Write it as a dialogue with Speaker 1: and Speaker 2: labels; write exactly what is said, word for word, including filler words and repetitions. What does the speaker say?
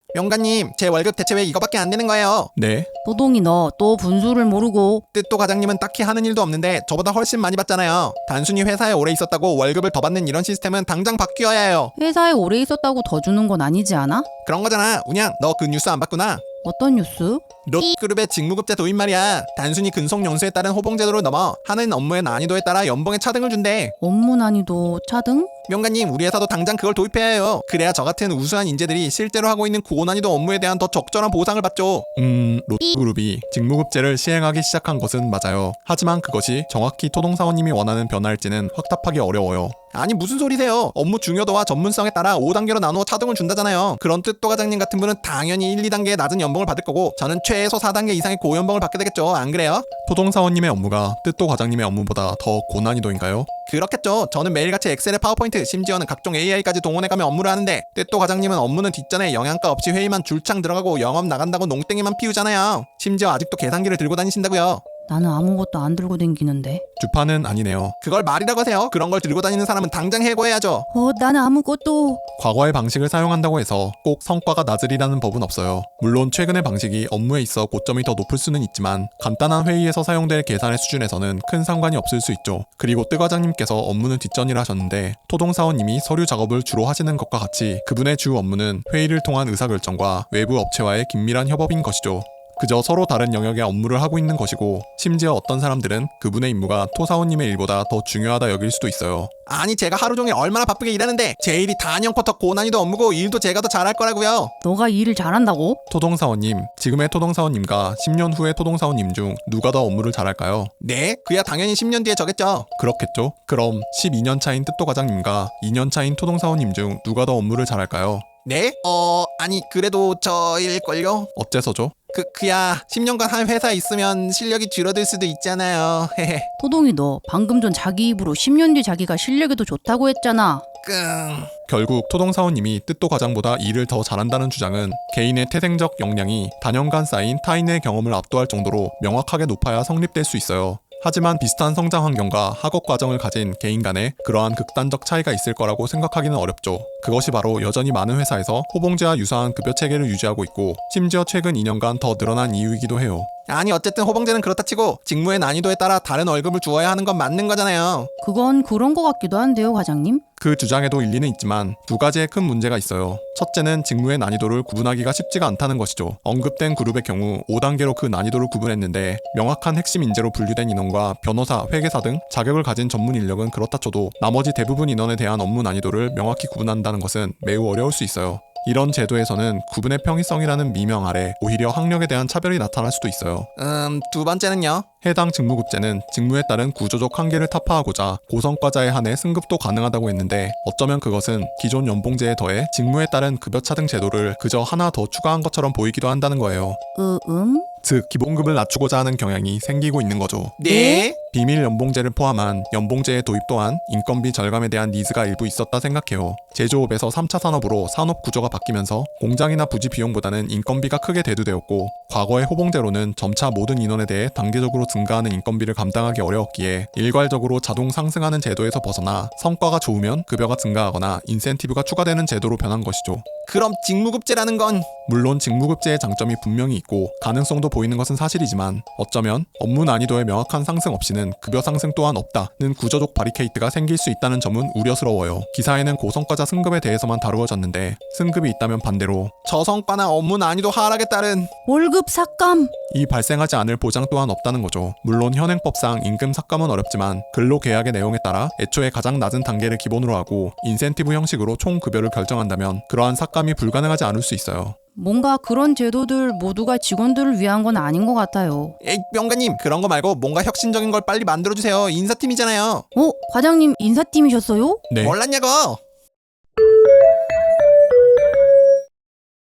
Speaker 1: 명가님, 제 월급 대체 왜 이거밖에 안 되는 거예요?
Speaker 2: 네?
Speaker 3: 도동이 너 또 분수를 모르고.
Speaker 1: 뜻도 과장님은 딱히 하는 일도 없는데 저보다 훨씬 많이 받잖아요. 단순히 회사에 오래 있었다고 월급을 더 받는 이런 시스템은 당장 바뀌어야 해요.
Speaker 3: 회사에 오래 있었다고 더 주는 건 아니지 않아?
Speaker 1: 그런 거잖아. 운양, 너 그 뉴스 안 봤구나?
Speaker 3: 어떤 뉴스?
Speaker 1: 롯그룹의 직무급제 도입 말이야. 단순히 근속 연수에 따른 호봉 제도를 넘어 하는 업무의 난이도에 따라 연봉에 차등을 준대.
Speaker 3: 업무 난이도 차등?
Speaker 1: 명가님, 우리 회사도 당장 그걸 도입해야 해요. 그래야 저 같은 우수한 인재들이 실제로 하고 있는 고난이도 업무에 대한 더 적절한 보상을 받죠.
Speaker 2: 음... 롯그룹이 직무급제를 시행하기 시작한 것은 맞아요. 하지만 그것이 정확히 토동사원님이 원하는 변화일지는 확답하기 어려워요.
Speaker 1: 아니 무슨 소리세요? 업무 중요도와 전문성에 따라 오 단계로 나누어 차등을 준다잖아요. 그런 뜻도 과장님 같은 분은 당연히 일, 이 단계의 낮은 연봉을 받을 거고 저는 최소 사 단계 이상의 고연봉을 받게 되겠죠. 안 그래요?
Speaker 2: 토동사원님의 업무가 뜻도 과장님의 업무보다 더 고난이도인가요?
Speaker 1: 그렇겠죠. 저는 매일같이 엑셀에 파워포인트, 심지어는 각종 에이아이까지 동원해가며 업무를 하는데 뜻도 과장님은 업무는 뒷전에 영양가 없이 회의만 줄창 들어가고 영업 나간다고 농땡이만 피우잖아요. 심지어 아직도 계산기를 들고 다니신다고요.
Speaker 3: 나는 아무것도 안 들고 댕기는데.
Speaker 2: 주파는 아니네요.
Speaker 1: 그걸 말이라고 하세요. 그런 걸 들고 다니는 사람은 당장 해고해야죠.
Speaker 3: 어, 나는 아무것도.
Speaker 2: 과거의 방식을 사용한다고 해서 꼭 성과가 낮으리라는 법은 없어요. 물론 최근의 방식이 업무에 있어 고점이 더 높을 수는 있지만 간단한 회의에서 사용될 계산의 수준에서는 큰 상관이 없을 수 있죠. 그리고 뜨 과장님께서 업무는 뒷전이라 하셨는데 토동사원님이 서류 작업을 주로 하시는 것과 같이 그분의 주 업무는 회의를 통한 의사결정과 외부 업체와의 긴밀한 협업인 것이죠. 그저 서로 다른 영역의 업무를 하고 있는 것이고 심지어 어떤 사람들은 그분의 임무가 토사원님의 일보다 더 중요하다 여길 수도 있어요.
Speaker 1: 아니 제가 하루 종일 얼마나 바쁘게 일하는데 제 일이 단연커터 고난이도 업무고 일도 제가 더 잘할 거라고요.
Speaker 3: 너가 일을 잘한다고?
Speaker 2: 토동사원님, 지금의 토동사원님과 십 년 후의 토동사원님 중 누가 더 업무를 잘할까요?
Speaker 1: 네? 그야 당연히 십 년 뒤에 저겠죠.
Speaker 2: 그렇겠죠? 그럼 십이 년 차인 뜻도 과장님과 이 년 차인 토동사원님 중 누가 더 업무를 잘할까요?
Speaker 1: 네? 어... 아니 그래도 저일걸요?
Speaker 2: 어째서죠?
Speaker 1: 그, 그야 십 년간 한 회사에 있으면 실력이 줄어들 수도 있잖아요. 헤헤.
Speaker 3: 토동이 너 방금 전 자기 입으로 십 년 뒤 자기가 실력이 더 좋다고 했잖아.
Speaker 1: 끙...
Speaker 2: 결국 토동사원님이 뜻도 과장보다 일을 더 잘한다는 주장은 개인의 태생적 역량이 단연간 쌓인 타인의 경험을 압도할 정도로 명확하게 높아야 성립될 수 있어요. 하지만 비슷한 성장 환경과 학업 과정을 가진 개인 간에 그러한 극단적 차이가 있을 거라고 생각하기는 어렵죠. 그것이 바로 여전히 많은 회사에서 호봉제와 유사한 급여 체계를 유지하고 있고 심지어 최근 이 년간 더 늘어난 이유이기도 해요.
Speaker 1: 아니 어쨌든 호봉제는 그렇다 치고 직무의 난이도에 따라 다른 월급을 주어야 하는 건 맞는 거잖아요.
Speaker 3: 그건 그런 거 같기도 한데요, 과장님.
Speaker 2: 그 주장에도 일리는 있지만 두 가지의 큰 문제가 있어요. 첫째는 직무의 난이도를 구분하기가 쉽지가 않다는 것이죠. 언급된 그룹의 경우 오 단계로 그 난이도를 구분했는데 명확한 핵심 인재로 분류된 인원과 변호사, 회계사 등 자격을 가진 전문 인력은 그렇다 쳐도 나머지 대부분 인원에 대한 업무 난이도를 명확히 구분한다는 것은 매우 어려울 수 있어요. 이런 제도에서는 구분의 평이성이라는 미명 아래 오히려 학력에 대한 차별이 나타날 수도 있어요.
Speaker 1: 음... 두 번째는요?
Speaker 2: 해당 직무급제는 직무에 따른 구조적 한계를 타파하고자 고성과자에 한해 승급도 가능하다고 했는데 어쩌면 그것은 기존 연봉제에 더해 직무에 따른 급여 차등 제도를 그저 하나 더 추가한 것처럼 보이기도 한다는 거예요.
Speaker 3: 으, 음?
Speaker 2: 즉 기본급을 낮추고자 하는 경향이 생기고 있는 거죠.
Speaker 1: 네?
Speaker 2: 비밀 연봉제를 포함한 연봉제의 도입 또한 인건비 절감에 대한 니즈가 일부 있었다 생각해요. 제조업에서 삼 차 산업으로 산업 구조가 바뀌면서 공장이나 부지 비용보다는 인건비가 크게 대두되었고 과거의 호봉제로는 점차 모든 인원에 대해 단계적으로 증가하는 인건비를 감당하기 어려웠기에 일괄적으로 자동 상승하는 제도에서 벗어나 성과가 좋으면 급여가 증가하거나 인센티브가 추가되는 제도로 변한 것이죠.
Speaker 1: 그럼 직무급제라는 건...
Speaker 2: 물론 직무급제의 장점이 분명히 있고 가능성도 보이는 것은 사실이지만 어쩌면 업무 난이도의 명확한 상승 없이는 급여 상승 또한 없다는 구조적 바리케이트가 생길 수 있다는 점은 우려스러워요. 기사에는 고성과자 승급에 대해서만 다루어졌는데 승급이 있다면 반대로
Speaker 1: 저성과나 업무 난이도 하락에 따른
Speaker 3: 월급 삭감!
Speaker 2: 이 발생하지 않을 보장 또한 없다는 거죠. 물론 현행법상 임금 삭감은 어렵지만 근로계약의 내용에 따라 애초에 가장 낮은 단계를 기본으로 하고 인센티브 형식으로 총 급여를 결정한다면 그러한 삭감이 불가능하지 않을 수 있어요.
Speaker 3: 뭔가 그런 제도들 모두가 직원들을 위한 건 아닌 것 같아요.
Speaker 1: 에이 명가님 그런 거 말고 뭔가 혁신적인 걸 빨리 만들어주세요. 인사팀이잖아요.
Speaker 3: 어? 과장님 인사팀이셨어요?
Speaker 2: 네.
Speaker 1: 몰랐냐고.